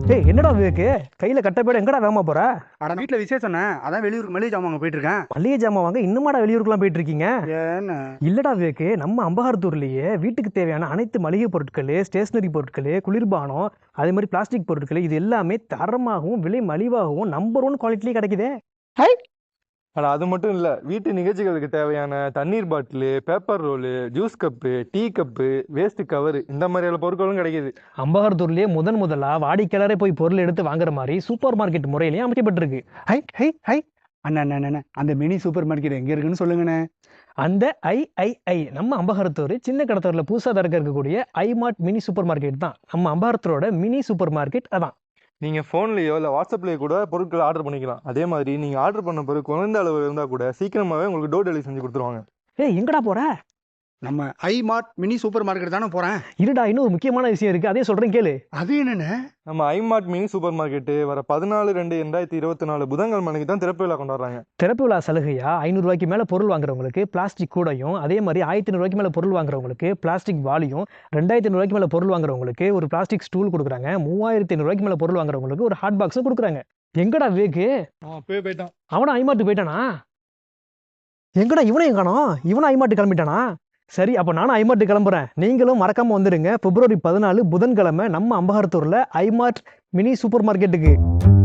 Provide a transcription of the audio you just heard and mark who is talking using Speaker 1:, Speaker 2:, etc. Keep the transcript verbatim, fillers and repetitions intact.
Speaker 1: ஏய் என்னடா விவேக்கு கையில கட்டப்பேட எங்கடா வேகமா போற?
Speaker 2: அட வீட்டில் விசேஷம்ண்ணே, அதான் வெளியூருக்கு மளிகை ஜாமான் போயிட்டு இருக்கேன்.
Speaker 1: மளிகை ஜாமான் வாங்க இன்னுமாடா வெளியூருக்குலாம் போயிட்டு இருக்கீங்க?
Speaker 2: ஏன்னு
Speaker 1: இல்லடா விவேக்கு, நம்ம அம்பகாரத்தூர்லயே வீட்டுக்கு தேவையான அனைத்து மளிகை பொருட்கள், ஸ்டேஷனரி பொருட்கள், குளிர்பானம், அதே மாதிரி பிளாஸ்டிக் பொருட்கள் இது எல்லாமே தரமாகவும் விலை மலிவாகவும் நம்பர் ஒன் குவாலிட்டிலேயே கிடைக்குதே.
Speaker 3: ஆனால் அது மட்டும் இல்லை, வீட்டு நிகழ்ச்சிகளுக்கு தேவையான தண்ணீர் bottle, paper roll, juice cup, tea cup, waste cover இந்த மாதிரியான பொருட்களும் கிடைக்கிது.
Speaker 1: அம்பகாரத்தூர்லயே முதன் முதலா வாடிக்கையாளரே போய் பொருள் எடுத்து வாங்குற மாதிரி சூப்பர் மார்க்கெட் முறையிலேயே அமைக்கப்பட்டிருக்கு.
Speaker 2: ஹை ஹை ஹை அண்ணா அண்ணா அண்ணா அந்த மினி சூப்பர் மார்க்கெட் எங்கே இருக்குன்னு சொல்லுங்கண்ணே.
Speaker 1: அந்த ஐஐஐ நம்ம அம்பகாரத்தூர் சின்ன கடத்தூர்ல புதுசாக திறக்க இருக்கக்கூடிய ஐமார்ட் மினி சூப்பர் மார்க்கெட் தான் நம்ம அம்பகாரத்தூரோட மினி சூப்பர் மார்க்கெட். அதான்
Speaker 3: நீங்கள் ஃபோன்லேயோ இல்லை வாட்ஸ்அப்லேயோ கூட பொருட்களை ஆர்டர் பண்ணிக்கலாம். அதே மாதிரி நீங்கள் ஆர்டர் பண்ண பொருள் குறைந்த அளவு இருந்தால் கூட சீக்கிரமாகவே உங்களுக்கு டோர் டெலிவரி செஞ்சு கொடுத்துருவாங்க.
Speaker 1: ஏய் எங்கடா போற?
Speaker 2: நம்ம I mart mini super market தானே போகிறேன்.
Speaker 1: இருடா, இன்னும் ஒரு முக்கியமான விஷயம் இருக்கு, அதே சொல்றேன் கேளு.
Speaker 2: அது என்னண்ணே?
Speaker 3: நம்ம ஐமார்ட் மினி சூப்பர் மார்க்கெட்டு வர பதினாலு ரெண்டு ரெண்டாயிரத்தி இருபத்தி நாலு புதன்கிழமை மணிக்கு தான் திறப்பு விழா கொண்டாடுறாங்க.
Speaker 1: திறப்பு விழா சலுகையா ஐநூறு ரூபாய்க்கு மேல பொருள் வாங்குறவங்களுக்கு பிளாஸ்டிக் கூடையும், அதே மாதிரி ஆயிரத்தி ரூபாய்க்கு மேல பொருள் வாங்குறவங்களுக்கு பிளாஸ்டிக் வாளியும், ரெண்டாயிரத்தி ஐநூறு ரூபாய்க்கு மேல பொருள் வாங்குறவங்களுக்கு ஒரு பிளாஸ்டிக் ஸ்டூல் கொடுக்குறாங்க, மூவாயிரத்தி ஐநூறு ரூபாய்க்கு மேல பொருள் வாங்குறவங்களுக்கு ஒரு ஹாட் பாக்ஸும் கொடுக்குறாங்க. எங்கடா விவேக்கு?
Speaker 3: போய் போயிட்டான்.
Speaker 1: அவனா ஐமாட்டு போயிட்டானா? எங்கடா இவனையும் காணோம்? இவனும் ஐமாட்டு கிளம்பிட்டானா? சரி, அப்போ நானும் ஐமார்ட் கிளம்புறேன். நீங்களும் மறக்காம வந்துடுங்க. பிப்ரவரி பதினாலு புதன்கிழமை நம்ம அம்பகாரத்தூர்ல ஐமார்ட் மினி சூப்பர் மார்க்கெட்டுக்கு.